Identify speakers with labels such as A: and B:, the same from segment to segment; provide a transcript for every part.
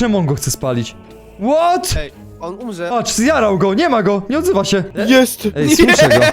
A: czemu on go chce spalić? What?
B: Ej, on umrze.
A: Patrz, zjarał go, nie ma go, nie odzywa się.
C: Jest!
A: Ej, słyszę go.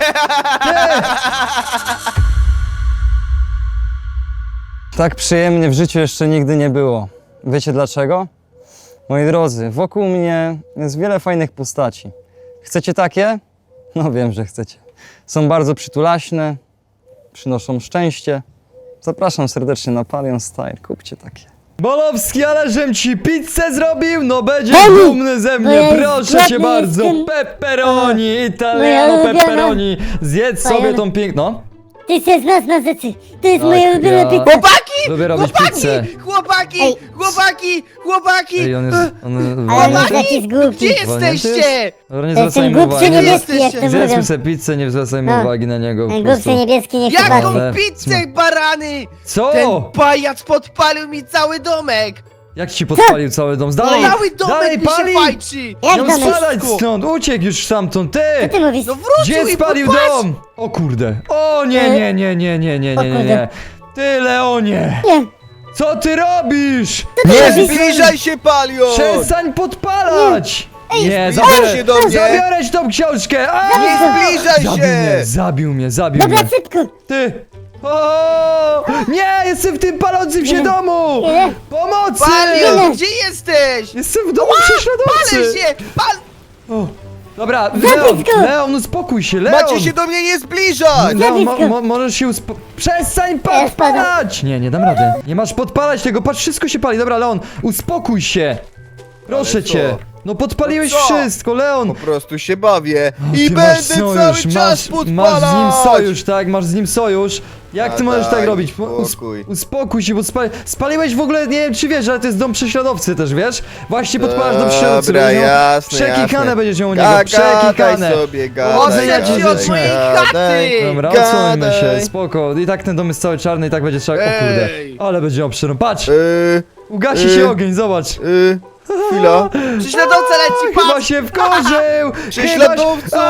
D: Tak przyjemnie w życiu jeszcze nigdy nie było. Wiecie dlaczego? Moi drodzy, wokół mnie jest wiele fajnych postaci. Chcecie takie? No wiem, że chcecie. Są bardzo przytulaśne, przynoszą szczęście. Zapraszam serdecznie na Palion Style, kupcie takie.
A: Bolowski, ale żem ci pizzę zrobił, no będziesz
E: Dani,
A: dumny ze
E: bo
A: mnie,
E: ja
A: proszę cię
E: głodny
A: bardzo.
E: jestem.
A: Pepperoni,
E: Moja
A: italiano
E: ulubiona.
A: pepperoni. Zjedz sobie
E: Moja-
A: tą piękną.
E: Ty się znasz na rzeczy. To jest
A: Tak,
E: moja ulubiona
A: ja-
E: pizza.
B: Chłopaki!
A: Lubię robić pizzę.
B: Chłopaki!
E: Ej.
B: Chłopaki!
A: Ej, on jest... On
E: Ale
A: walnięty?
E: on jakiś głupi.
B: Gdzie jesteście?
A: Dobra, nie
E: To jest ten
A: zwracajmy
E: głupszy
A: uwagi.
E: niebieski, jak to
A: Zjedzmy
E: mówią.
A: sobie pizzę, nie zwracajmy
E: No.
A: uwagi na niego po
E: Ten
A: prostu.
E: głupszy niebieski nie chce
B: Jaką
A: Ale-
B: pizzę, barany?
A: Co?
B: Ten pajac podpalił mi cały domek!
A: Jak ci podpalił cały dom? Dalej,
B: Cały domek
A: dalej
B: mi się
A: pali!
B: fajczy!
E: Jak
A: Miał
E: domek?
A: spadać stąd, uciekł już stamtąd,
E: Co
A: ty!
E: ty mówisz?
B: No wrócił
A: Gdzie
B: i
A: spalił
B: popatrz!
A: dom? O kurde. O nie.
E: O kurde.
A: Ty, Leonie!
E: Nie.
A: Co ty robisz?
C: Nie zbliżaj się, Palion!
A: Przestań podpalać! Nie,
C: zbliżaj się do mnie.
A: zabiorę ci tą książkę! A!
C: Nie zbliżaj się!
A: Zabił mnie.
E: Dobra, szybko.
A: Ty! O! Nie, jestem w tym palącym się domu!
E: Nie.
A: Pomocy!
B: Palion, gdzie jesteś?
A: Jestem w domu
B: Palę
A: prześladowcy!
B: się!
A: O, dobra,
E: Zabisko!
A: Leon, uspokój się, Leon!
C: Macie się do mnie nie zbliżać!
A: Leon,
E: Zabisko!
A: możesz się Przestań
E: Ja spadam.
A: podpalać! Nie dam rady. Nie masz podpalać tego, patrz, wszystko się pali. Dobra, Leon, uspokój się! Proszę
C: Ale co?
A: cię! No podpaliłeś
C: No co?
A: wszystko, Leon!
C: Po prostu się bawię
A: O,
C: i
A: ty
C: będę
A: masz sojusz,
C: cały czas podpalać!
A: masz z nim sojusz, tak? Masz z nim sojusz. Jak ty
C: A
A: możesz tak
C: daj
A: robić?
C: spokój.
A: Uspokój się, bo spaliłeś w ogóle, nie wiem czy wiesz, ale to jest dom prześladowcy też, wiesz? Właśnie podpalasz dom prześladowcy.
C: Dobra,
A: będziesz miał
C: jasne,
A: Przekikane
C: jasne.
A: będziesz miał u niego,
C: Gadaj
A: przekikane.
C: sobie, gadaj,
B: Odsuń się od mojej chaty!
A: Dobra,
C: Gadaj.
A: odsłońmy się, spoko. I tak ten dom jest cały czarny i tak będzie trzeba... O kurde,
B: Ej.
A: ale będzie obszerny. Patrz,
C: Yy,
A: ugasi się ogień, zobacz.
C: chwila.
B: Prześladowca leci,
A: Chyba
B: patrz!
A: się wkurzył!
C: Prześladowco!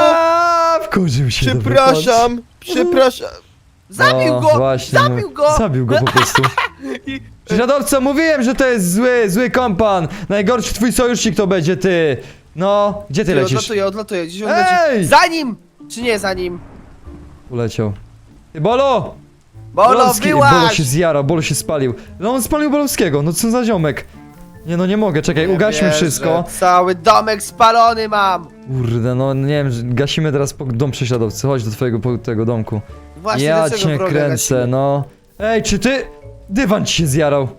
A: Wkurzył się. dobra, patrz.
C: Przepraszam.
B: Zabił
A: No,
B: go!
A: właśnie,
B: Zabił go!
A: Zabił go po prostu. Prześladowco, mówiłem, że to jest zły kompan. Najgorszy twój sojusznik to będzie ty. No, gdzie ty lecisz?
B: Odlatuję, gdzieś on
A: Ej!
B: leci. Za nim! Czy nie za nim?
A: Uleciał. Ty, Bolo!
B: Bolo,
A: Bolo
B: wyłaź!
A: się zjarał, Bolo się spalił. No on spalił Bolowskiego, no co za ziomek. Nie no, nie mogę, czekaj,
B: Nie
A: ugaśmy
B: wierzę.
A: wszystko.
B: Cały domek spalony mam!
A: Kurde, no nie wiem, gasimy teraz dom prześladowcy. Chodź do twojego tego domku.
B: Właśnie
A: Ja
B: dlaczego
A: cię
B: wroga
A: kręcę,
B: gasimy?
A: no. Ej, czy ty... Dywan ci się zjarał.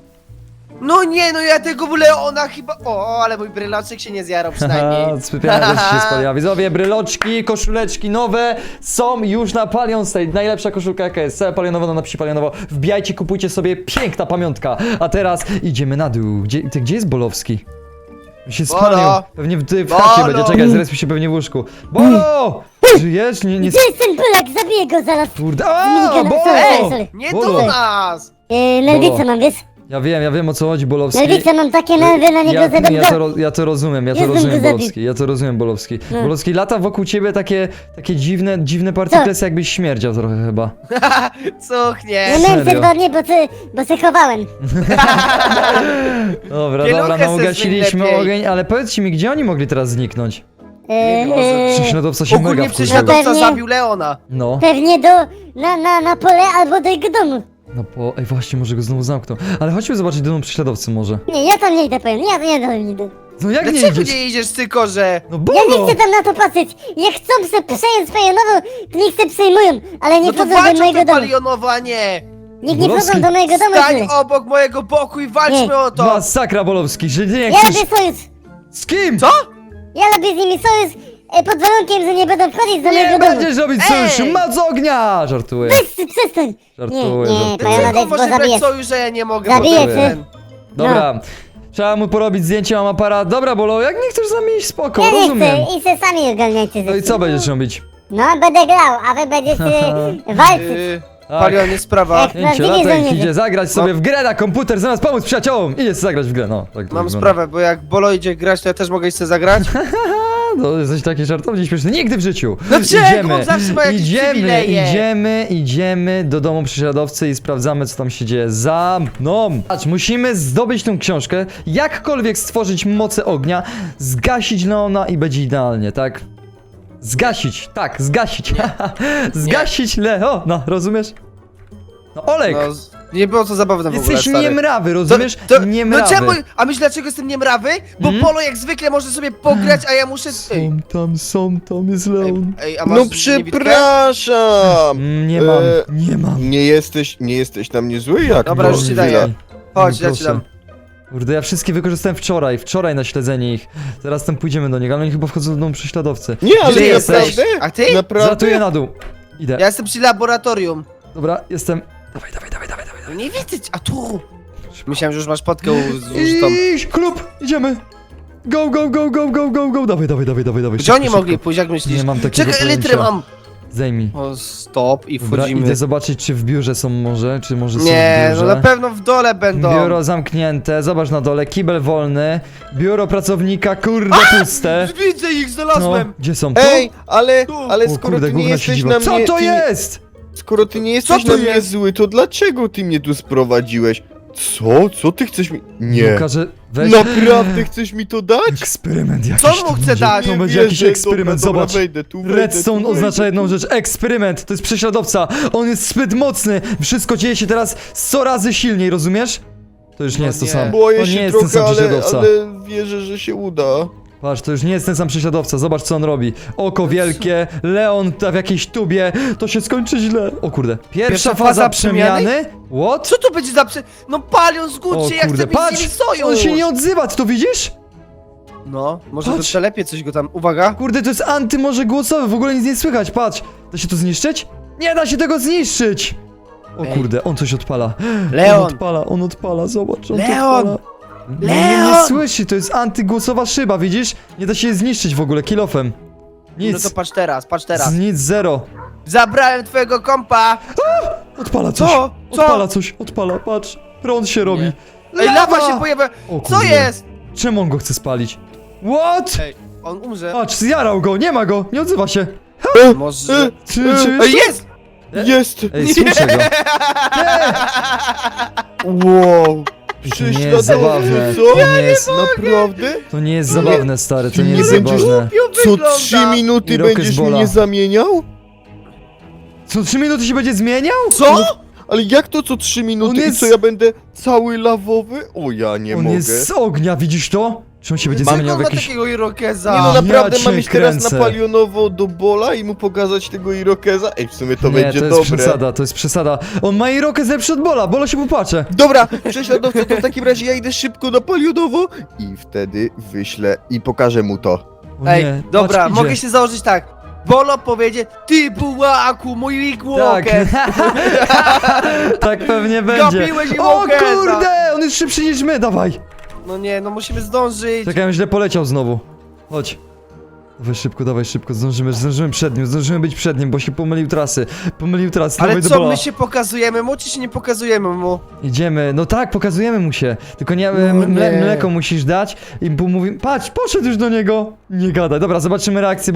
B: No nie, no ja tego Leona chyba... O, ale mój brylaczek się nie zjarał przynajmniej.
A: Spypiana też się spaliła. Widzowie, bryloczki, koszuleczki nowe są już na Palion Style. Najlepsza koszulka jaka jest, cała palionowa na napisi palionowo. Wbijajcie, kupujcie sobie, piękna pamiątka. A teraz idziemy na dół. Gdzie jest Bolowski? On się
B: Bolo!
A: spalił. Pewnie w chacie
B: Bolo!
A: będzie, czekaj, zrespił się pewnie w łóżku. Bolo! Żyjesz? Nie,
E: Gdzie jest ten Polak? Zabiję go zaraz.
A: Kurde.
E: Zmienię
A: A,
E: go na-
A: Bolo!
E: sorry.
B: Nie
A: Bolo!
B: do nas!
E: Nerwice mam, wiesz?
A: Ja wiem o co chodzi, Bolowski.
E: Nerwice mam takie nerwy na niego, że
A: Ja to rozumiem,
E: Jestem
A: Bolowski.
E: zabił.
A: Ja to rozumiem, Bolowski.
E: No.
A: Bolowski, lata wokół ciebie takie dziwne partyklesy, jakbyś śmierdział trochę chyba.
B: Cuchnie!
E: Nie miałem
A: Serio?
E: się 2 dni, bo się chowałem.
A: Dobra,
B: Pieluchę
A: no
B: se
A: ugasiliśmy
B: zmień lepiej.
A: ogień, ale powiedzcie mi, gdzie oni mogli teraz zniknąć? Prześladowca się mega
B: Ogólnie
A: wkurzył.
B: prześladowca
E: Pewnie.
B: zabił Leona.
A: No,
E: Pewnie na pole albo do jego domu.
A: ej właśnie, może go znowu zamkną. Ale chodźmy zobaczyć do domu prześladowcy może.
E: Nie, ja tam nie idę, powiem. Ja nie idę.
A: No jak nie
B: Dlaczego
A: idziesz?
B: nie idziesz, cykorze?
A: No
E: Ja nie
A: Bolo!
E: chcę tam na to patrzeć. Jak chcą se przejąć swoje nowo, to niech se przejmują. Ale nie
B: No to
E: wchodzą do
B: walcz o
E: mojego
B: to
E: domu.
B: palionowo, a nie!
E: Niech nie
A: Bolowski.
E: wchodzą do mojego domu.
B: Stań
E: tyle.
B: obok mojego boku i walczmy
E: Nie.
B: o to!
A: Masakra, Bolowski, że nie
E: Ja
A: chcesz...
E: robię sojusz.
A: Z kim?
B: Co?
E: Ja robię z nimi sojusz pod warunkiem, że nie będą wchodzić do
A: Nie
E: mojego domu.
A: będziesz robić
B: Ej!
A: sojuszu, moc ognia! Żartuję.
E: Przestań.
A: Żartuję,
E: Nie,
A: żartuję.
E: Paliona,
B: Dlaczego
E: bo
B: może brać
E: zabiję.
B: sojusz, że ja nie mogę?
E: Zabiję
B: bo
E: cię.
B: ten-
A: Dobra, trzeba mu porobić zdjęcie, mam aparat. Dobra, Bolo, jak nie chcesz z nami iść, spoko,
E: Ja nie
A: rozumiem.
E: chcę i se sami ogarniajcie
A: No i
E: rzeczy.
A: co będziesz robić?
E: No, będę grał, a wy będziecie walczyć.
B: Palion, jest sprawa.
E: Jak
A: Idźcie,
E: prawdziwi
A: latek,
E: żołnierze.
A: idzie zagrać sobie w grę na komputer, zamiast pomóc przyjaciołom. Idzie zagrać w grę, no. Tak to
B: Mam
A: wygląda.
B: sprawę, bo jak Bolo idzie grać, to ja też mogę iść sobie zagrać?
A: No, jesteś taki żartownie śmieszny. Nigdy w życiu.
B: No czego? On zawsze ma jakieś przywileje.
A: Idziemy do domu prześladowcy i sprawdzamy, co tam się dzieje. Za mną. Patrz, musimy zdobyć tę książkę, jakkolwiek stworzyć moce ognia, zgasić Leona i będzie idealnie, tak? Zgasić, tak, zgasić. Zgasić Leona, rozumiesz? No Olek,
B: No, nie było to zabawne w ogóle,
A: jesteś
B: stary.
A: niemrawy, rozumiesz?
B: No
A: Niemrawy.
B: czemu? A myślisz dlaczego jestem niemrawy? Bo Polo jak zwykle może sobie pograć, a ja muszę... Ej,
A: Są tam, jest Leon.
B: ej, a masz
C: No
B: niewidkę?
C: przepraszam!
A: Nie mam.
C: Nie jesteś na mnie zły jak?
B: Dobra, już ci daję. Chodź, ja ci
A: Proszę.
B: dam.
A: Kurde, ja wszystkie wykorzystałem wczoraj na śledzenie ich. Teraz tam pójdziemy do niego, ale oni chyba wchodzą do domu prześladowcy.
C: Nie, ale
B: Gdzie
C: naprawdę?
B: jesteś? A ty?
C: Naprawdę?
A: Zlatuję na dół. Idę.
B: Ja jestem przy laboratorium.
A: Dobra, jestem. Dawaj.
B: No nie widzę cię, a tu! Myślałem, że już masz potkę zużytą.
A: Iść, klub, idziemy. Go. Dawaj.
B: Gdzie oni
A: szybko.
B: mogli pójść, jak myślisz?
A: Nie mam takiego
B: Czekaj, litrę
A: pojęcia.
B: mam!
A: Zdejmij.
B: O, stop i
A: Dobra,
B: wchodzimy.
A: idę zobaczyć, czy w biurze są może, czy może są
B: Nie,
A: w biurze.
B: no na pewno w dole będą.
A: Biuro zamknięte, zobacz na dole, kibel wolny. Biuro pracownika, kurde, puste.
B: Widzę ich,
A: No,
B: znalazłem!
A: gdzie są? Tu?
C: Ej, ale
A: O
C: skoro
A: kurde,
C: ty nie
A: gówno
C: jesteś
A: siedziba.
C: na mnie...
A: Co to
C: ty nie-
A: jest?
C: Skoro ty nie jesteś
B: to
C: na mnie
B: jest?
C: zły, to dlaczego ty mnie tu sprowadziłeś? Co? Co ty chcesz mi... Nie.
A: Każe, weź.
C: Naprawdę chcesz mi to dać?
A: Eksperyment jakiś.
B: Co mu
A: to
B: chce
A: będzie.
B: dać?
A: To
C: Nie
A: będzie
C: wierzę.
A: jakiś eksperyment,
C: Dobra,
A: zobacz.
C: wejdę tu,
A: Redstone
C: wejdę
A: oznacza
C: tu.
A: jedną rzecz, eksperyment, to jest prześladowca, on jest zbyt mocny, wszystko dzieje się teraz 100 razy silniej, rozumiesz? To już nie
B: No
A: jest to
B: nie.
A: samo,
C: Boję
A: to nie
C: się
A: jest ten
C: trochę,
A: sam prześladowca.
C: ale wierzę, że się uda.
A: Patrz, to już nie jest ten sam prześladowca, zobacz co on robi. Oko wielkie, Leon w jakiejś tubie, to się skończy źle. O kurde, pierwsza faza przemiany? What?
B: Co to będzie za No Palion,
A: O
B: zgódź się, ja
A: kurde,
B: chcę mieć z nimi
A: patrz,
B: sojusz!
A: on się nie odzywa, ty to widzisz?
B: No, może
A: Patrz.
B: to telepie coś go tam, uwaga.
A: Kurde, to jest antymorze głosowe, w ogóle nic nie słychać, patrz. Da się to zniszczyć? Nie da się tego zniszczyć! O
B: Ej.
A: kurde, on coś odpala.
B: Leon!
A: On odpala, zobacz, on to
B: Leon!
A: odpala. Nie
B: Leon!
A: słyszy, to jest antygłosowa szyba, widzisz? Nie da się jej zniszczyć w ogóle, kilofem.
B: No
A: Nic,
B: to patrz teraz.
A: nic, zero.
B: Zabrałem twojego kompa!
A: Odpala coś,
B: Co?
A: odpala coś, odpala, patrz. Prąd się robi.
B: Nie. Ej, lawa się pojawia!
A: O
B: Co
A: kurde.
B: jest?
A: Czemu on go chce spalić? What?
B: Ej, on umrze.
A: Patrz, zjarał go, nie ma go, nie odzywa się.
B: Może...
A: Czy...
B: Ej, jest!
C: Jest!
A: Ej, słyszę go.
C: Wow!
A: To nie jest zabawne.
C: Co?
A: To nie jest,
C: Naprawdę?
A: to nie jest zabawne, stary, to nie
C: Nie
A: jest
C: będziesz-
A: zabawne.
C: Co 3 minuty
A: I Rocket
C: będziesz
A: Bola.
C: mnie zamieniał?
A: Co 3 minuty się będzie zmieniał?
B: Co?
C: Ale jak to co 3 minuty
A: On
C: i
A: jest-
C: co ja będę cały lawowy? O ja nie
A: On
C: mogę.
A: jest z ognia, widzisz to? Czy on się będzie
B: Mam
A: zmieniał w
B: go
A: jakiś...
B: takiego Irokeza.
C: Nie no
A: Ja
C: naprawdę
A: cię
C: mam iść teraz
A: kręcę.
C: na palionowo do Bola i mu pokazać tego Irokeza? Ej, w sumie to
A: Nie,
C: będzie
A: to jest
C: dobre.
A: przesada, to jest przesada. On ma Irokę lepszy od Bola, Bola się popłacze.
C: Dobra, prześladowca, to w takim razie ja idę szybko na palionowo i wtedy wyślę i pokażę mu to.
A: O
B: Ej,
A: nie,
B: dobra,
A: patrz,
B: mogę
A: idzie.
B: się założyć tak. Bolo powiedzie, ty bułaku, mój Rick
A: Tak,
B: Walker.
A: tak pewnie będzie.
B: Gapiłeś i
A: O
B: Walkera.
A: kurde, on jest szybszy niż my, dawaj.
B: No nie, no musimy zdążyć.
A: Czekaj, on źle poleciał znowu. Chodź. Dawaj szybko, zdążymy zdążymy być przed nim, bo się pomylił trasy.
B: Ale
A: dawaj do
B: co,
A: Bola.
B: my się pokazujemy mu, czy się nie pokazujemy mu?
A: Idziemy, no tak, pokazujemy mu się. Tylko nie,
B: No nie.
A: mleko musisz dać i mówi, patrz, poszedł już do niego. Nie gadaj. Dobra, zobaczymy reakcję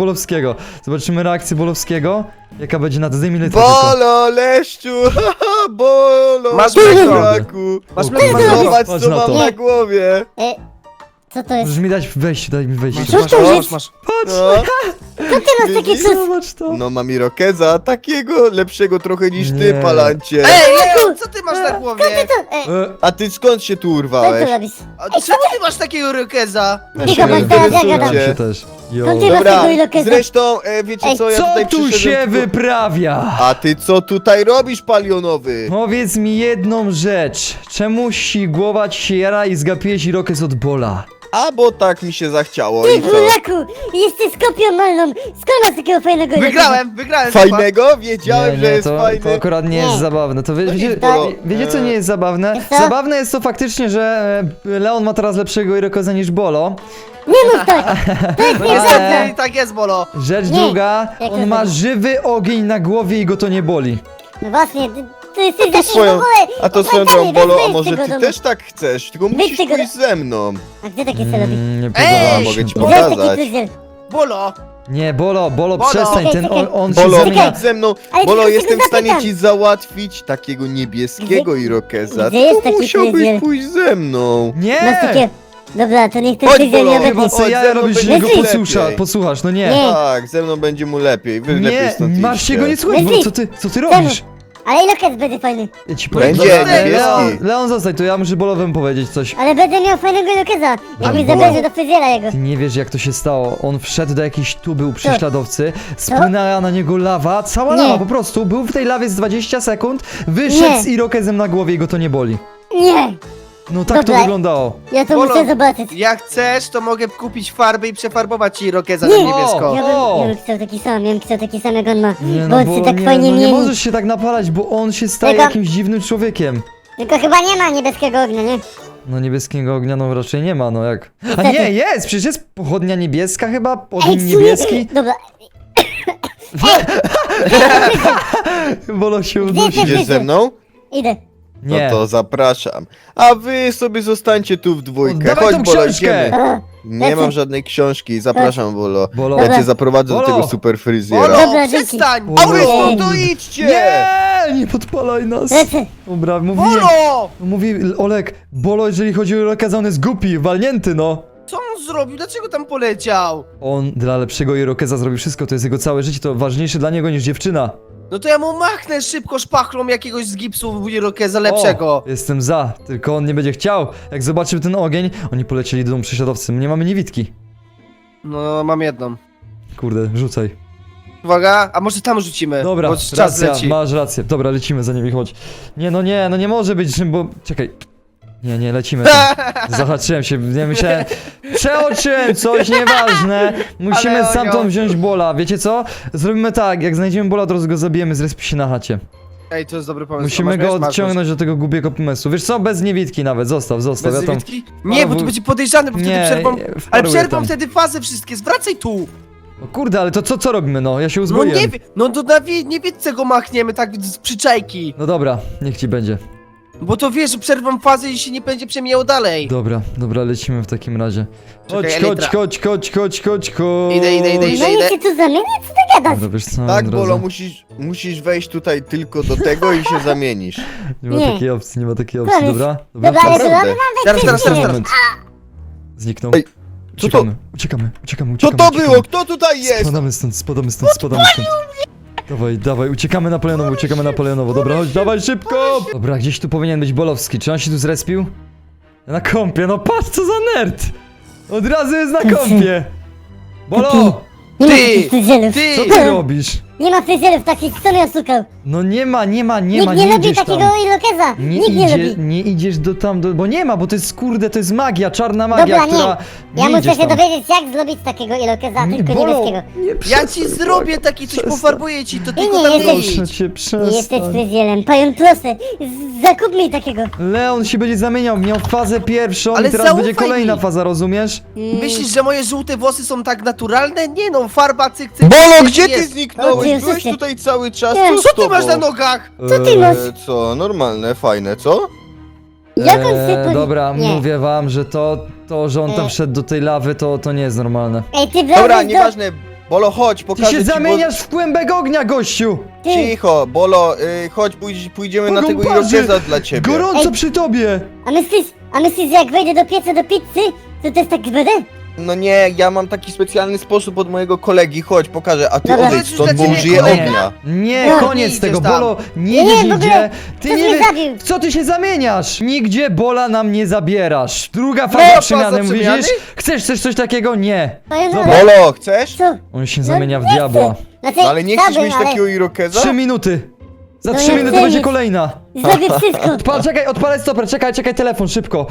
A: Bolowskiego. Jaka będzie na to, zdejmij litę tylko.
C: Bolo, leszczu, haha, Bolo,
B: Masz
C: buraku.
B: Masz
A: O
B: mleko,
A: kurde.
B: masz mleko.
C: Zobacz
A: Patrz
C: co
A: na
C: mam
A: to.
C: na głowie.
E: Co to jest?
A: Możesz mi dać wejść, daj mi wejść.
E: Co to jest?
B: Masz.
A: Patrz,
C: No,
E: Co ty masz takie
C: widzisz?
E: sus?
A: zobacz to.
C: No mam Irokeza, takiego lepszego trochę niż ty,
A: Nie.
C: Palancie.
B: Ej, Leon, co ty masz na głowie?
C: A ty skąd się tu
E: Co ty
C: urwałeś?
E: robisz?
B: A czemu ty masz takiego Irokeza?
E: Tylko masz teraz ja gadam.
A: się też. Jo.
E: No ty masz
C: Dobra,
E: tego Irokeza.
C: zresztą, wiecie
E: Ej,
C: co, ja
A: Co
C: tutaj
A: tu
C: przyszedłem
A: się
C: tylko-
A: wyprawia?
C: A ty co tutaj robisz, palionowy?
A: Powiedz mi jedną rzecz. Czemu głowa ci się jara i zgapiłeś Irokez od Bola?
C: A bo tak mi się zachciało
E: Ty
C: i co?
E: buraku! Jesteś kopią malną! Skąd masz takiego fajnego
B: Wygrałem.
C: Fajnego? Wiedziałem, że jest
A: to
C: fajny.
A: akurat nie jest
E: Nie.
A: zabawne. To
C: No
A: wiecie,
C: i Bolo,
A: wiecie co nie jest zabawne?
E: Co?
A: Zabawne jest to faktycznie, że Leon ma teraz lepszego Irokeza niż Bolo.
E: Nie mów tak! To jest
B: No
E: nieprawda!
B: niestety, tak jest, Bolo.
A: Rzecz
E: Nie.
A: druga,
E: Jak
A: on
E: to
A: ma
E: tak?
A: żywy ogień na głowie i go to nie boli.
E: No właśnie, ty jesteś taki w
C: swoją-
E: ogóle!
C: A to swoją
E: opłakany,
C: drogą, Bolo, a
E: wyjdź z
C: może
E: tego
C: ty
E: domu.
C: też tak chcesz? Tylko musisz
E: tego
C: pójść ze mną.
E: A gdzie takie co robi?
A: Nie
B: Ej,
A: podoba mi
C: mogę
A: się
C: ci
A: to.
C: pokazać.
E: Weź taki fryzjer!
B: Bolo!
A: Nie, Bolo,
B: Bolo.
A: przestań, ten on się
C: Bolo,
A: zamienia...
C: chodź ze mną.
E: Ale
C: Bolo,
E: tylko
C: jestem
E: tego
C: w stanie
E: zapytam.
C: ci załatwić takiego niebieskiego irokeza.
E: Gdzie jest
C: To
E: taki
C: musiałbyś
E: fryzjer?
C: pójść ze mną.
A: Nie!
E: Masz takie... Dobra, to niech ten
C: Chodź,
E: fryzjer
C: Bolo,
E: nie
A: Chyba
E: obetnie.
A: co
C: Chodź,
A: ja
C: ze mną
A: robisz,
C: będzie
A: go
C: lepiej.
A: posłuchasz, no nie.
E: Nie.
C: Tak, ze mną będzie mu lepiej. Wy lepiej
A: Nie,
C: stąd
A: Marcie
C: idźcie.
A: go nie słuchaj,
E: Lepiej.
A: bo co ty robisz?
E: Ale Ilokes będzie fajny.
A: Ja ci powiem.
C: Będzie
A: Dobra,
C: niebieski.
A: Leon, zostań tu, ja muszę Bolowemu powiedzieć coś.
E: Ale będę miał fajnego Ilokesa. Jak mi
A: Bolo.
E: zabierze do fryzjera jego.
A: Ty nie wiesz jak to się stało. On wszedł do jakiejś tuby u prześladowcy, spłynęła na niego lawa, cała
E: Nie.
A: lawa po prostu. Był w tej lawie z 20 sekund, wyszedł
E: Nie.
A: z irokezem na głowie i go to nie boli.
E: Nie,
A: No tak
E: Dobra.
A: to wyglądało.
E: ja to
B: Bolo.
E: muszę zobaczyć.
B: Jak chcesz, to mogę kupić farbę i przefarbować ci Irokeza
E: Nie.
B: na niebiesko.
E: Ja bym chciał taki sam jak on ma.
A: Nie,
E: Bo on się tak
A: nie,
E: fajnie
A: no nie
E: mieni.
A: możesz się tak napalać, bo on się staje
E: Tylko-
A: jakimś dziwnym człowiekiem.
E: Tylko chyba nie ma niebieskiego ognia, nie?
A: No niebieskiego ognia no raczej nie ma, no jak. A
E: Niestety.
A: nie, jest! Przecież jest pochodnia niebieska chyba,
E: Ej,
A: ogień niebieski.
E: Dobra,
A: Bolo się
E: Gdzie
A: udusi.
E: ty-
C: Idziesz ze mną?
E: idę.
A: Nie.
C: No to zapraszam. A wy sobie zostańcie tu w dwójkę.
A: Dawaj
C: Chodź,
A: tą
C: Bolo,
A: książkę.
C: idziemy.
E: O,
C: Nie
E: lecę.
C: mam żadnej książki. Zapraszam, Bolo.
A: Bolo.
C: Ja
E: Dobra.
C: cię zaprowadzę do
A: Bolo.
C: tego super fryzjera.
B: Bolo,
E: Dobra, dzięki.
B: przestań!
A: Bolo.
C: A wy
B: Bolo!
C: stąd to idźcie!
A: Nie, nie podpalaj nas.
E: Lecę.
A: Dobra, mówiłem.
B: Bolo!
A: Mówi Olek, Bolo, jeżeli chodzi o Irokeza, on jest głupi, walnięty, no.
B: Co on zrobił? Dlaczego tam poleciał?
A: On dla lepszego Irokeza zrobi wszystko, to jest jego całe życie, to ważniejsze dla niego niż dziewczyna.
B: No to ja mu machnę szybko szpachlą jakiegoś z gipsu Irokeza lepszego.
A: O, jestem za, tylko on nie będzie chciał. Jak zobaczył ten ogień, oni polecieli do domu prześladowcy, my nie mamy niewidki.
B: No, mam jedną.
A: Kurde, rzucaj.
B: Uwaga, a może tam rzucimy?
A: Dobra,
B: bo czas
A: racja,
B: leci.
A: masz rację. Dobra, lecimy za nimi, chodź. Nie, no nie może być, bo... Czekaj. Nie, lecimy tam. Zahaczyłem się, nie myślałem... Przeoczyłem coś, nieważne. Musimy
B: Ale
A: stamtąd
B: Onio.
A: wziąć Bola, wiecie co? Zrobimy tak, jak znajdziemy Bola, od razu go zabijemy, zrespić się na chacie.
B: Ej, to jest dobry pomysł.
A: Musimy
B: Masz
A: go
B: miecz? Masz
A: odciągnąć do tego głupiego pomysłu. Wiesz co, bez niewidki nawet, zostaw,
B: Bez
A: ja tam...
B: niewidki? Nie, bo to będzie podejrzane, bo wtedy
A: Nie,
B: przerwą...
A: nie,
B: Ale
A: wparuję
B: przerwą
A: tam.
B: wtedy fazy wszystkie, zwracaj tu!
A: O kurde, ale to co robimy, no? Ja się
B: No
A: uzbroiłem.
B: nie wiem, no to na niewidce go machniemy tak z przyczajki.
A: No dobra, niech ci będzie.
B: Bo to wiesz, że przerwą fazę i się nie będzie przemijało dalej.
A: Dobra, lecimy w takim razie. Chodź,
B: Czekaj,
A: chodź,
B: Elytra.
A: chodź.
B: Idę.
E: No i się tu zamieniać? Co ty gadasz?
A: Dobra, wiesz co,
C: Tak,
A: od
C: Bolo,
A: razu.
C: musisz wejść tutaj tylko do tego i się zamienisz.
A: Nie ma
E: Nie.
A: takiej opcji,
E: Koniec.
A: dobra?
E: Dobra, ale to
C: Naprawdę.
B: Teraz.
A: Moment. Zniknął.
C: Ej, co to?
A: Uciekamy.
C: Co to było? Kto tutaj jest?
A: Spadamy stąd. Dawaj, uciekamy na Palionowo, dobra, chodź, dawaj szybko! Dobra, gdzieś tu powinien być Bolowski, czy on się tu zrespił? Na kąpie, no patrz co za nerd! Od razu jest na kąpie! Bolo!
E: Nie ma
B: Ty!
E: takich fryzjerów.
B: Ty!
A: Co ty robisz?
E: Nie ma fryzjerów takich, kto mnie oszukał?
A: No nie ma,
E: Nikt nie lubi
A: idziesz
E: takiego
A: tam.
E: Ilokeza. Nikt nie lubi.
A: Nie idziesz bo nie ma, bo to jest kurde, to jest magia, czarna magia,
E: Dobra,
A: która...
E: Ja muszę
A: idziesz
E: się
A: tam.
E: dowiedzieć, jak zrobić takiego Ilokeza, tylko
A: Bolo,
E: niebieskiego.
A: nie
B: Ja
A: przestań,
B: ci zrobię taki coś,
A: przestań.
B: pofarbuję ci, to
E: Nie,
B: tylko
E: nie,
B: tam
E: jesteś-
B: nie idź.
A: Proszę cię,
E: Nie jesteś
A: przestań.
E: fryzjerem. Pajon, proszę, zakup mi takiego.
A: Leon się będzie zamieniał, miał fazę pierwszą
B: Ale
A: i teraz będzie
B: zaufaj
A: kolejna
B: mi.
A: faza, rozumiesz?
B: Myślisz, że moje żółte włosy są tak naturalne? Nie no, farba cyk.
C: Bolo, gdzie ty
B: jest.
E: O,
C: zniknąłeś?
E: ty
C: Byłeś
E: jesteś-
C: tutaj cały czas,
E: Nie.
C: co z
B: Co ty
C: tobą?
B: masz na nogach?
E: Co ty masz?
C: Co, normalne, fajne, co?
E: Jak on się
A: Dobra,
E: Nie.
A: mówię wam, że że on tam wszedł do tej lawy, to nie jest normalne.
E: Ej, ty
C: Dobra,
E: wlazłeś do...
C: nieważne. Bolo, chodź,
A: Ty
C: pokażę
A: się
C: ci,
A: zamieniasz w kłębek ognia, gościu!
C: Bo...
E: Ty,
C: Cicho, Bolo, pójdźmy pójdziemy na tego
A: Pogąparzy!
C: irokeza dla ciebie.
A: Gorąco
E: Ej.
A: przy tobie!
E: a myślisz, że jak wejdę do pieca do pizzy, to też tak będę?
C: No nie, ja mam taki specjalny sposób od mojego kolegi, chodź, pokażę, a ty
E: Dobra.
C: odejdź stąd, bo
B: Dla ciebie
C: użyję
B: kolega.
C: ognia.
A: Nie,
E: No,
A: koniec
B: nie
A: tego,
B: idziesz tam.
A: Bolo, nie
E: Nie,
A: idziesz
E: w ogóle,
A: nigdzie! Ty
E: ktoś
A: nie
E: mnie
A: wiesz,
E: zabił.
A: w co ty się zamieniasz? Nigdzie Bola nam nie zabierasz! Druga
B: Nowa
A: faza
B: faza
A: przemiany,
B: przemiany?
A: widzisz? Chcesz coś takiego? Nie!
E: Pajon,
A: Dobra.
C: Bolo, chcesz?
E: Co?
A: On się
E: No,
A: zamienia w
E: nie
A: diabła.
E: chcę. Znaczy,
C: No ale nie chcesz
E: chciałbym,
C: mieć
E: ale
C: takiego irokeza?
A: 3 minuty! Za
E: No
A: 3
E: nie
A: minuty
E: chcę
A: będzie
E: nic.
A: kolejna!
E: Zrobię wszystko.
A: Czekaj, odpalę stoper, czekaj, telefon, szybko.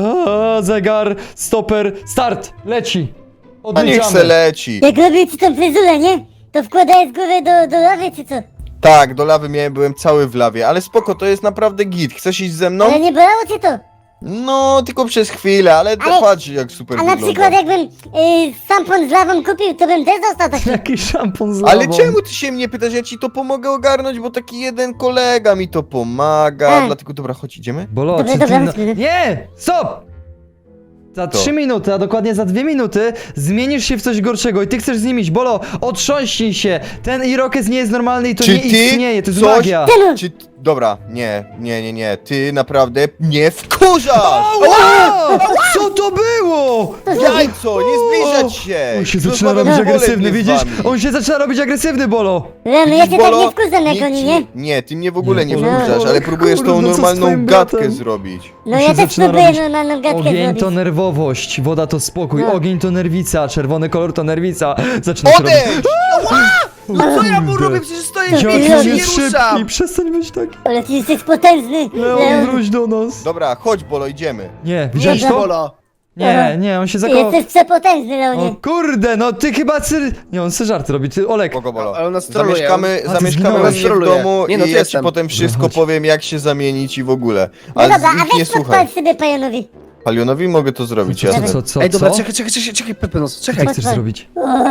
A: Zegar, stoper, start, leci.
C: No niech se
A: Odliczamy.
C: leci.
E: Jak robię ci tą fryzurę, nie? To wkładaj z góry do lawy, czy co?
C: Tak, do lawy byłem cały w lawie, ale spoko, to jest naprawdę git. Chcesz iść ze mną?
E: Ale nie bolało cię to?
C: No, tylko przez chwilę, ale
E: Ale-
C: patrz jak super
E: A na
C: wygląda.
E: przykład jakbym szampon z lawą kupił, to bym też dostał taki.
A: Jaki szampon z
C: Ale
A: lawą.
C: czemu ty się mnie pytasz? Ja ci to pomogę ogarnąć, bo taki jeden kolega mi to pomaga.
E: A.
C: Dlatego dobra, chodź, idziemy?
A: Bolo,
E: Dobra,
A: czy
E: dobra,
A: ty...
E: chodźmy.
A: Nie! Stop! Za
C: To.
A: 3 minuty, a dokładnie za 2 minuty zmienisz się w coś gorszego i ty chcesz z nim iść. Bolo, otrząśnij się. Ten Irokez nie jest normalny i to
C: Czy
A: nie
C: ty
A: istnieje, to jest
C: coś-
A: magia.
C: Czy... Dobra, nie. Ty naprawdę mnie wkurzasz!
A: Ała! Co to było?
C: Jajco, nie zbliżać się!
A: On się zaczyna
C: Rozmawiam
A: robić
C: wolę
A: agresywny,
C: z
A: widzisz?
C: wami.
A: On się zaczyna robić agresywny, Bolo.
E: Leon, ja cię tak
C: Bolo,
E: nie wkurzam jak
C: nikt
E: oni,
C: ci-
E: nie?
C: Nie, ty mnie w ogóle nie
A: Nie, Bolo,
C: wkurzasz, ale próbujesz
A: kurde,
C: tą
A: no co z
C: normalną
A: twoim
C: gadkę
A: bratem?
C: zrobić.
E: No
A: On
E: ja
A: się
E: też
A: zaczyna
E: próbuję
A: robić-
E: normalną gadkę
A: Ogień
E: zrobić.
A: to nerwowość, woda to spokój,
E: No.
A: ogień to nerwica, czerwony kolor to nerwica. Zaczyna się robić...
C: Odejdź!
B: No co ja mu
A: Kurde.
B: robię? Przecież stoję w
A: Jaki
B: miejscu,
A: on
B: się nie
A: jest szybki,
B: ruszam.
A: przestań być taki.
E: Ale ty jesteś potężny,
A: Leon,
E: Leon.
A: wróć do nas.
C: Dobra, chodź Bolo, idziemy.
A: Nie, widziałeś
B: Nie,
A: to?
B: Bolo.
A: Nie, on się
E: Ty
A: zakochał.
E: jesteś przepotężny,
A: O
E: Leonie.
A: kurde, no ty chyba Nie, on se żarty robi, ty Olek.
C: Kogo Bolo?
B: Ale on nas troluje.
C: Zamieszkamy
A: A, ty
C: zamieszkamy u
A: zginąłeś.
C: mnie w domu
B: Nie, no,
C: i
B: to
C: ja ci
B: jestem.
C: potem wszystko
A: No, chodź.
C: powiem, jak się zamienić i w ogóle.
E: No
C: Ale
E: dobra, a
C: ich nie
E: weź
C: słuchaj.
E: podpal sobie Pajonowi.
C: Palionowi mogę to zrobić,
A: Co,
C: jasne.
A: co?
B: Ej, dobra,
A: co?
B: czekaj, Pepenos,
A: Co
B: czekaj.
A: ty chcesz
E: Podpal.
A: zrobić?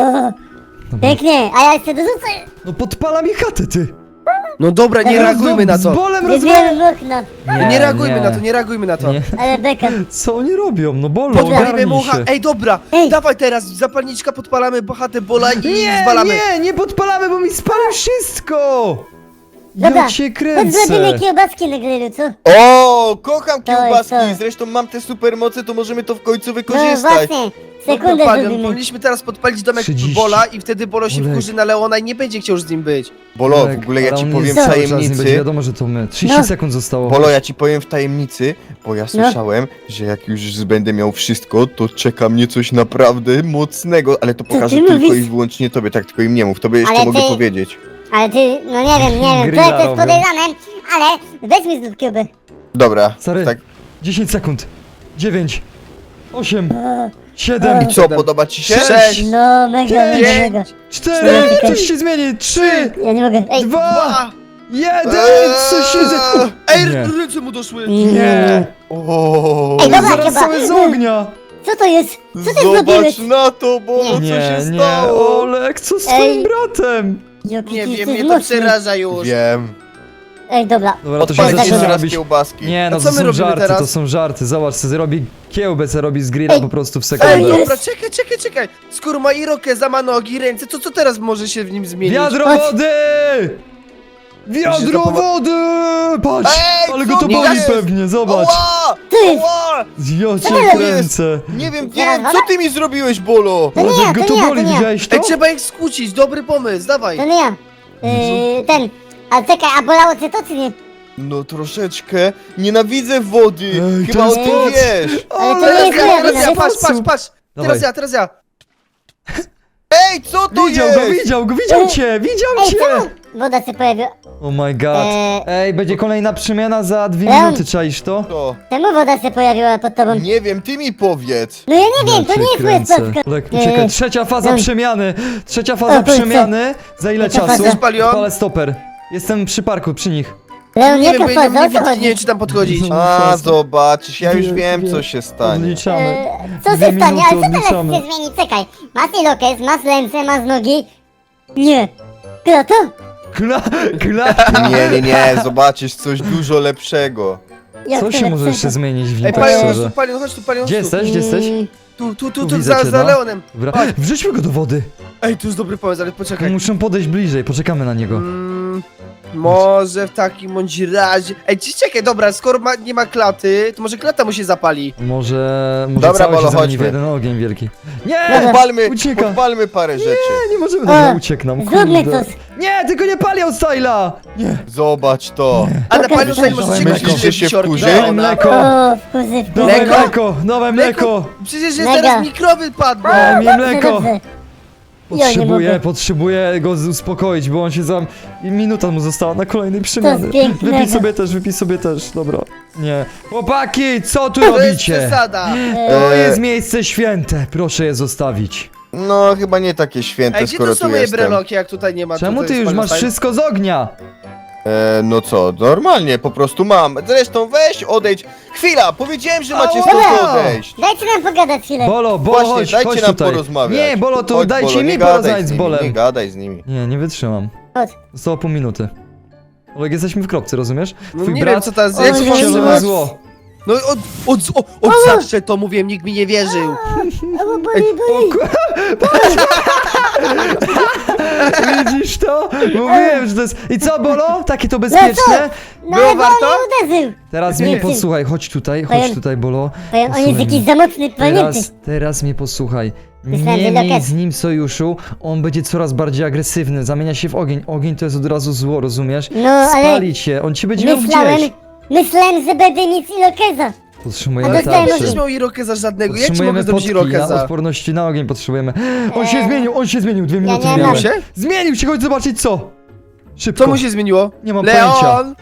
E: Pięknie, a ja jeszcze dorzucę.
A: No podpala mi chatę, ty.
B: No dobra, nie reagujmy na
A: Z
B: to.
A: bolem
E: Nie
A: rozmawiam.
E: wiem okna,
B: Nie reagujmy na to, nie reagujmy na to.
A: Nie.
E: ale beka.
A: Co oni robią? No Bolo,
B: Podpalimy
A: ogarnij
B: mu
A: się.
B: Ej, dobra,
E: Ej.
B: dawaj teraz, zapalniczka, podpalamy chatę Bola i
A: Nie,
B: zwalamy.
A: nie podpalamy, bo mi spali wszystko.
E: Dobra,
A: Jak się
E: chodź
A: kręcę.
E: zrobimy kiełbaski na grillu, co?
C: O, kocham
E: To jest
C: kiełbaski,
E: to.
C: zresztą mam te supermoce, to możemy to w końcu
E: No
C: wykorzystać.
E: właśnie, sekundę
B: Dobra, Palion,
E: zrobimy.
B: powinniśmy teraz podpalić domek
A: 30.
B: Bola i wtedy Bolo się
A: Olek.
B: wkurzy na Leona i nie będzie chciał już z nim być.
C: Bolo, w
A: Olek,
C: ogóle ja
A: ale
C: ci
A: on
C: powiem
A: jest
C: w
A: cały czas, nie będzie
C: tajemnicy.
A: wiadomo, że to my. 30
E: No.
A: sekund zostało.
C: Bolo, ja ci powiem w tajemnicy, bo ja słyszałem, że jak już będę miał wszystko, to czeka mnie coś naprawdę mocnego, ale to pokażę
E: ty
C: tylko
E: mówisz?
C: i wyłącznie tobie, tak tylko im nie mów, tobie jeszcze
E: Ale
C: mogę
E: ty-
C: powiedzieć.
E: Ale ty, no nie wiem,
A: Grilla
E: to jest
A: robią.
E: podejrzane, ale weź mi zrób kiełbę.
C: Dobra,
A: Stary,
C: tak.
A: 10 sekund. 9, 8, 7,
C: I co, podoba ci się?
B: Sześć.
E: No mega,
A: Pięć.
E: mega.
A: 4, coś się zmieni. 3,
E: Ja nie mogę, ej.
A: 2, 1, coś się zmieni.
B: Ej,
A: Nie.
B: ręce mu doszły.
A: Nie.
C: O,
E: Ej, dobra,
A: Zaraz
E: chyba.
A: cały z ognia.
E: Co to jest? Co ty
C: zobacz
E: zrobiłeś?
C: na to, Bolo, co
A: Nie,
C: się
A: nie,
C: stało?
A: Olek, co z
E: Ej.
A: twoim bratem?
E: Jaki
B: Nie
E: ty
B: wiem,
E: jesteś
B: mnie to
E: mocny.
B: przeraża już.
C: Wiem.
E: Ej, dobra.
A: Dobra, to się
C: Odpalić
A: zaczyna
C: jeszcze raz
A: robić.
C: kiełbaski.
A: Nie, no
B: A
A: to
B: co my
A: są
B: robimy
A: żarty,
B: teraz?
A: to są żarty. Zobacz, co zrobi kiełbę, co robi z grilla
E: Ej.
A: po prostu w
B: Ej,
A: sekundę.
E: jest.
B: dobra, czekaj. Skoro ma Irokeza, ma nogi, ręce, to co teraz może się w nim zmienić?
A: Wiadro
E: Patrz.
A: wody! Wiadro
B: to powo-
A: wody! Patrz!
C: Ej,
A: Ale
C: co
A: go to
C: to
A: boli
C: jest?
A: pewnie, zobacz!
C: Ała!
E: Ty!
C: Ała!
A: Ja
C: Co
A: cię
C: to jest?
A: kręcę!
C: Nie wiem,
E: Zaraz,
C: co ty mi zrobiłeś, Bolo?
E: To nie
A: Zobacz,
E: ja,
A: jak go
E: to
A: to
E: nie ja,
A: boli,
E: to nie ja.
A: widziałeś to?
B: Ej, trzeba ich skłócić, dobry pomysł, dawaj.
E: To nie ja. Ten. A czekaj, a bolało cię to czy nie?
C: No troszeczkę. Nienawidzę wody.
A: Ej,
C: Chyba
A: to
C: o
A: jest
C: tym
A: moc.
C: wiesz.
E: Ale to
B: Teraz
E: nie jest
B: ja,
E: moja
B: teraz
E: wina.
B: ja, patrz.
A: Dawaj.
B: Teraz ja.
C: Ej, co to
A: Widział
C: jest?
A: go, widział cię, widział
E: Ej,
A: cię!
E: czemu? Woda się pojawiła.
A: Oh my god. Ej, będzie kolejna przemiana za 2
E: Leon.
A: minuty, czaisz to?
C: To.
E: Czemu woda się pojawiła pod tobą?
C: Nie wiem, ty mi powiedz.
E: No ja nie wiem, to
A: cię
E: nie jest moja
A: kręcę.
E: sprawka.
A: Olek, uciekaj. Trzecia faza
E: Leon.
A: przemiany. Trzecia
E: O,
A: faza
E: kurczę.
A: przemiany. Za ile
E: Jaka
A: czasu?
E: faza?
B: Palion?
A: Palę stoper. Jestem przy parku, przy nich.
E: Leon,
B: Nie wiem,
E: jaka
B: bo ja
E: faza, o co
B: nie
E: chodzi?
B: wiem, czy tam podchodzić.
C: A, zobaczysz, ja już
A: Wiem,
C: wiem,
A: wiem.
C: co się stanie.
A: Odliczamy.
E: Co się
A: 2
E: stanie?
A: minuty
E: Ale co teraz
A: odliczamy.
E: się zmieni? Czekaj. Masz ilokes, masz ręce, masz nogi. Nie. Kto to?
C: Nie, zobaczysz coś dużo lepszego.
E: Jak
A: Co
E: to
A: się może
E: lepszego?
A: jeszcze zmienić w nim,
B: Ej,
A: tak
B: Palion, chodź
A: szczerze?
B: tu, Palion, chodź tu, Palion,
A: Gdzie
B: chodź tu.
A: jesteś? Gdzie jesteś?
B: Tu,
A: widzę
B: za
A: cię, no.
B: Leonem.
A: Dobra, wrzućmy go do wody.
B: Ej, to jest dobry pomysł, ale poczekaj.
A: Muszę podejść bliżej, poczekamy na niego.
B: Może w takim bądź razie... Ej, czekaj, dobra, skoro nie ma klaty, to może klata mu się zapali.
A: Może
C: Dobra,
A: cały
C: Bolo,
A: się zamieni w
C: chodźmy.
A: jeden ogień wielki. Nie!
C: Podpalmy, podpalmy parę rzeczy.
A: Nie możemy, dobra,
E: O,
A: uciekł nam,
E: Zróbmy
A: kurde.
E: coś.
A: Nie, tylko nie palią Styla! Nie,
C: Zobacz to.
B: A na
E: Okej,
B: Palion
E: dobra.
B: możecie
A: Dawaj,
B: gościć
C: myślisz, że się
B: wisiorki
C: wkurzy?
A: dawaj
B: Leona.
A: mleko!
E: O, wkurzy,
A: Dawaj
B: Mleko?
A: mleko! Dawaj mleko!
B: Przecież jest
E: Mega.
B: teraz mikrowy padł.
A: Daj mi
E: Dobrze,
A: mleko!
E: dobrze. Ja nie mogę.
A: Potrzebuję go uspokoić, bo on się za... i minuta mu została na kolejnej przemiany.
E: pięknego.
A: Wypij sobie też, dobra. Nie. Chłopaki, co tu
B: To jest
A: robicie?
B: przesada.
A: To
C: Eee.
A: jest miejsce święte, proszę je zostawić.
C: No, chyba nie takie święte,
B: Ej, gdzie
C: skoro
B: to są
C: tu
B: moje
C: jestem.
B: breloki, jak tutaj nie ma?
A: Czemu
B: to
A: ty
B: jest
A: już
B: Palion
A: masz
B: style?
A: wszystko z ognia?
C: No co, normalnie, po prostu mam. Zresztą weź, odejdź. Chwila, powiedziałem, że macie
A: Ała!
C: stąd odejść.
E: Dajcie nam pogadać chwilę.
A: Bolo,
C: Właśnie,
A: chodź,
C: dajcie
A: chodź
C: nam
A: tutaj.
C: porozmawiać.
A: Nie, Bolo, to
C: Chodź,
A: dajcie
C: Bolo,
A: mi
C: nie gadaj
A: porozmawiać z
C: nimi,
A: Bolem.
C: Nie gadaj z nimi.
A: Nie wytrzymam.
E: Chodź.
A: Zostało pół minuty. Olek, jesteśmy w kropce, rozumiesz?
B: No
A: Twój
B: nie
A: brat
B: wiem, co teraz
E: Oj,
B: jak
E: Jezu,
B: się
A: wcielone
B: powstrzymać.
A: zło.
B: No od zawsze to mówiłem, nikt mi nie wierzył.
E: O, boli, boli.
A: Widzisz to? Mówiłem, że to jest... I co, Bolo? Takie to bezpieczne?
E: No
B: Było
E: ale
B: warto?
E: on mnie uderzył.
A: Teraz
E: Nie,
A: mnie
E: nie.
A: posłuchaj, chodź tutaj, Bolo.
E: On jest
A: Posłuchaj
E: jakiś
A: mnie.
E: za mocny, pamiętaj.
A: Teraz mnie posłuchaj.
E: Myślałem,
A: Nie
E: że
A: miej
E: loket.
A: z nim sojuszu, on będzie coraz bardziej agresywny, zamienia się w ogień. Ogień to jest od razu zło, rozumiesz?
E: No, ale
A: Spali cię, on cię będzie miał gdzieś.
E: Myślałem, że będę mieć Irokeza.
A: Potrzebujemy
E: A dostałem
A: tarczy.
B: Przecież miał Irokeza żadnego, jak ci
A: Potrzebujemy
B: mogę zrobić
A: potki na
B: Irokeza?
A: odporności na ogień potrzebujemy. On się zmienił, 2 minuty
E: nie
A: miałem.
E: mam.
B: Się?
A: Zmienił się, chodź zobaczyć co. Szybko.
B: Co mu się zmieniło?
A: Nie mam
B: Leon!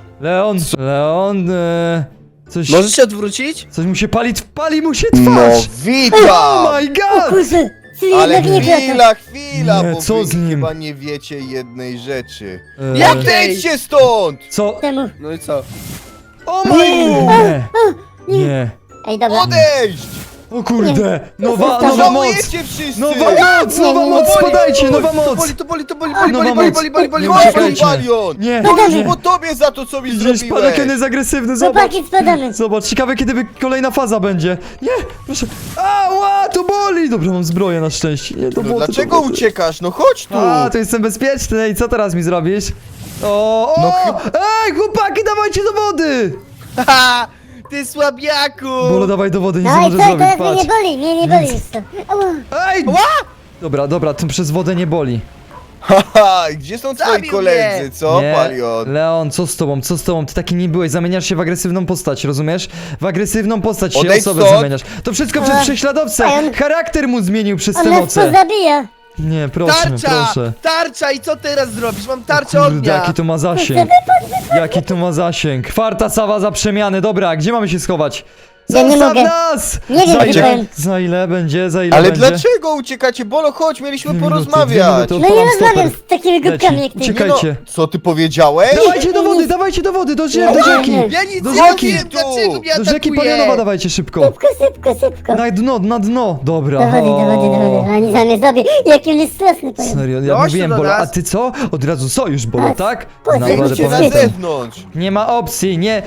A: Leon, coś,
B: Możesz się odwrócić?
A: coś mu się pali mu się
C: No
A: twarz.
C: witam!
A: Oh my
E: O
A: god!
E: kurczę, czyli
C: Ale
E: jednak nie klata.
C: chwila,
A: Nie,
C: bo
A: co
C: wy
A: z nim?
C: chyba nie wiecie jednej rzeczy.
A: E,
B: Jak
C: Odejdźcie stąd!
A: Co?
E: Temu.
B: No i co?
A: O my... Nie. Nie.
E: Ej, dobra.
C: Odejdź!
A: O kurde! Nowa moc!
C: Żałujecie wszyscy!
A: Nowa moc! Spadajcie, nowa moc!
B: To boli,
A: Nowa moc. Nie
C: Chodź,
A: uciekajcie.
C: Palion!
A: Nie!
C: To już po tobie za to, co mi
A: Widzisz,
C: zrobiłeś!
A: Padakion jest agresywny, zobacz!
E: Chłopaki, spadamy.
A: Zobacz, ciekawe kiedy kolejna faza będzie. Nie, proszę. Ała, to boli! Dobra, mam zbroję na szczęście. Nie, to
C: No
A: było
C: dlaczego uciekasz? No chodź tu!
A: A, to jestem bezpieczny. I co teraz mi zrobisz? O!
C: No
A: Ej, chłopaki, dawajcie do wody!
B: Haha! Ty słabiaku!
A: Bolo, dawaj do wody, nic nie
E: No i
A: możesz
E: co,
A: zrobić,
E: teraz mnie
A: patrz.
E: nie boli, mnie nie boli już to. Ała.
A: Ej! Dobra, to przez wodę nie boli.
C: Haha, gdzie są twoi
B: Zabił
C: koledzy,
B: mnie.
C: co,
A: Nie,
C: Palion?
A: Leon, co z tobą? Ty taki nie byłeś, zamieniasz się w agresywną postać, rozumiesz? W agresywną postać się
C: Odejdź
A: osobę
C: stąd.
A: zamieniasz. To wszystko przez prześladowcę!
E: on-
A: Charakter mu zmienił przez
E: On
A: te
E: nas
A: moce.
E: pozabija.
A: Nie, proszę,
B: Tarcza!
A: proszę.
B: Tarcza i co teraz zrobisz? Mam tarczę
A: Kurde,
B: ognia!
A: jaki to ma zasięg. Jaki to ma zasięg. Kwarta sawa za przemiany. Dobra, gdzie mamy się schować?
E: Ja nie
A: Zostaw
E: mogę.
A: nas!
E: Nie wiem,
A: za
E: gdzie
A: ile,
E: powiem.
A: za ile będzie? Za ile
C: Ale
A: będzie?
C: dlaczego uciekacie? Bolo, chodź, mieliśmy
A: 2 minuty,
C: porozmawiać!
A: 2
E: No
A: minuty,
E: nie
A: odpalam
E: rozmawiam
A: stoper.
E: z takimi głupkami jak ty.
A: Uciekaj.
C: Nie no,
A: Czekajcie.
C: co ty powiedziałeś?
A: Dawajcie do wody, do rzeki!
B: Ja nic
A: Do
B: nie
A: rzeki.
B: wiem, dlaczego mnie
A: Do rzeki
B: atakuje!
A: Palionowa dawajcie szybko!
E: Szybko.
A: Na dno, dobra.
E: Do wody. Oni za mnie zrobią. Jaki on jest straszny, powiem.
A: Serio, ja
B: Chodź
A: mówiłem
B: tu do
A: Bolo, a
B: nas.
A: ty co? Od razu sojusz Bolo, tak?
E: po-
A: Naprawdę
C: Wyjdźcie na
A: pamiętam.
C: zewnątrz!
A: Nie ma opcji, nie.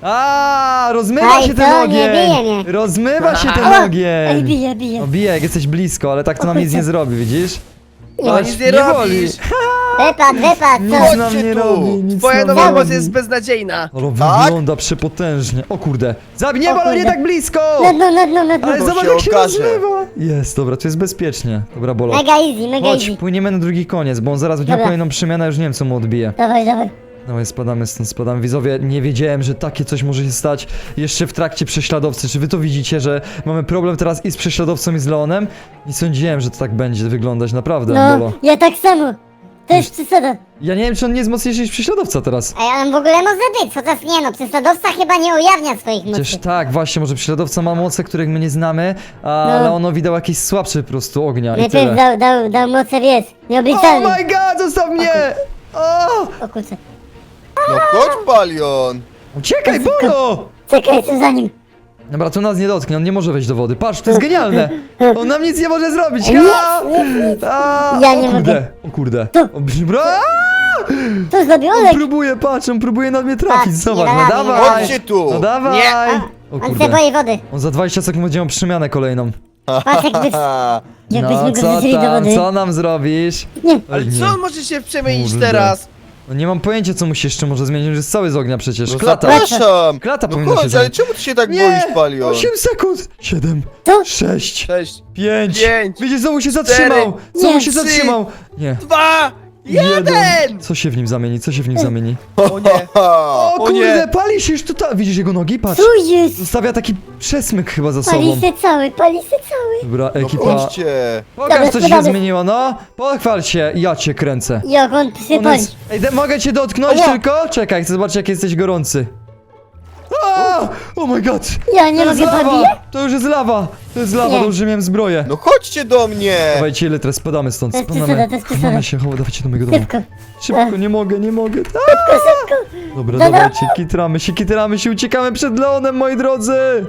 A: A, rozmywa
E: Aj,
A: się ten
E: to nie bije
A: ogień!
E: mnie.
A: Rozmywa się ten
E: Ała. Ej,
A: ogień!
E: bije.
A: No bije, jak jesteś blisko, ale tak to nam nic nie zrobi, widzisz?
B: No nic nie
A: boli.
B: robisz!
E: Wypad,
A: Nic
E: co?
C: Chodźcie
A: nam nie
C: tu.
A: robi, nic
B: Twoja
A: nam
B: nowa
A: nie
B: moc
A: robi.
B: jest beznadziejna!
A: Ale
C: Tak?
A: wygląda przepotężnie. O kurde. Zabij, nie
E: O
A: Bolo, nie
E: kurde.
A: tak blisko!
E: Na dno.
A: Ale
C: To
A: zobacz
C: się
A: jak się
C: okaże.
A: rozmywa! Jest, dobra, to jest bezpiecznie. Dobra, Bolo.
E: Mega easy.
A: Chodź, płyniemy na drugi koniec, bo on zaraz będzie miał
E: Dobra.
A: kolejną przemianę, już nie wiem co mu odbije.
E: Dawaj.
A: Dawaj, spadamy stąd, spadamy. Widzowie, nie wiedziałem, że takie coś może się stać jeszcze w trakcie prześladowcy. Czy wy to widzicie, że mamy problem teraz i z prześladowcą i z Leonem? Nie sądziłem, że to tak będzie wyglądać, naprawdę,
E: No,
A: Bolo.
E: ja tak samo. To jest przesada.
A: Ja nie wiem, czy on nie jest mocniejszy niż prześladowca teraz.
E: A on w ogóle może być, chociaż nie no, prześladowca chyba nie ujawnia swoich
A: Przecież
E: mocy.
A: tak, właśnie, może prześladowca ma moce, których my nie znamy, a
E: No.
A: Leonowi dał jakieś słabsze po prostu ognia i
E: Najpierw
A: tyle.
E: dał moce, wiesz,
A: Oh
E: nieobliczalne.
A: my god, zostaw mnie! O!
E: O kurczę.
C: No chodź, Palion!
A: Uciekaj, Bolo!
E: Czekaj, co za nim.
A: Dobra, to nas nie dotknie, on nie może wejść do wody. Patrz, to jest genialne! On nam nic nie może zrobić!
E: Nic,
A: Ha! A,
E: Ja
A: o
E: nie
A: kurde,
E: mogę.
A: o kurde.
E: Tu.
A: O, bra!
E: To zrobił
A: On
E: Olek.
A: próbuje, patrz, on próbuje na mnie trafić,
E: Patrz,
A: zobacz,
E: nie
A: no
E: da rady, nie da
A: dawaj!
C: Chodźcie tu!
A: No dawaj!
B: Nie.
A: O
E: On się
A: kurde.
E: boi wody.
A: On za 20 sekund będzie miał przemianę kolejną.
E: Patrz jakbyśmy
A: No
E: go
A: co
E: wrzucili do
A: tam,
E: wody.
A: co nam zrobisz?
E: Nie.
B: Ale
A: Oj, nie.
B: co on może się przemienić
A: Kurde.
B: teraz?
A: No nie mam pojęcia, co mu się jeszcze może zmienić, że jest cały z ognia przecież.
C: No
A: Klata!
C: zapraszam!
A: Klata
C: No
A: powinna się
C: chodź, ale
A: zamknąć.
C: czemu ty się tak
A: Nie!
C: boisz, Palion?
A: 8 sekund! 7,
E: Co?
A: 6,
B: Cześć.
A: 5.
B: Pięć,
A: Widzisz, znowu się zatrzymał! Znowu
E: nie,
A: się
B: 3,
A: zatrzymał! Nie.
B: 2, 1!
A: Co się w nim zamieni? Co się w nim zamieni?
B: O nie!
A: O
B: O
A: kurde,
B: nie.
A: pali się już tutaj! Widzisz jego nogi? Patrz!
E: Tu jest.
A: Zostawia taki przesmyk chyba za sobą.
E: Pali się cały.
A: Dobra,
C: No
A: ekipa.
C: chodźcie!
A: Pokaż, co się
E: spadamy.
A: zmieniło, no! Pochwal się, ja cię kręcę.
E: Jak on
A: On
E: przypali.
A: jest... Ej, mogę cię dotknąć
E: Ała.
A: tylko? Czekaj, chcę zobaczyć, jak jesteś gorący. A! Oh my god!
E: Ja nie
A: To jest
E: mogę
A: lawa!
E: zabijać.
A: To już jest lawa! To jest lawa,
E: Nie.
A: to już miałem zbroję.
C: No chodźcie do mnie!
A: Dawajcie, Litres, spadamy stąd,
E: To jest
A: spadamy.
E: przesada, to jest przesada.
A: Chowamy się, dawajcie do mojego domu.
E: Szybko.
A: Szybko, nie mogę.
E: Szybko.
A: Dobra,
E: Dobra.
A: dawajcie, kitramy się, uciekamy przed Leonem, moi drodzy!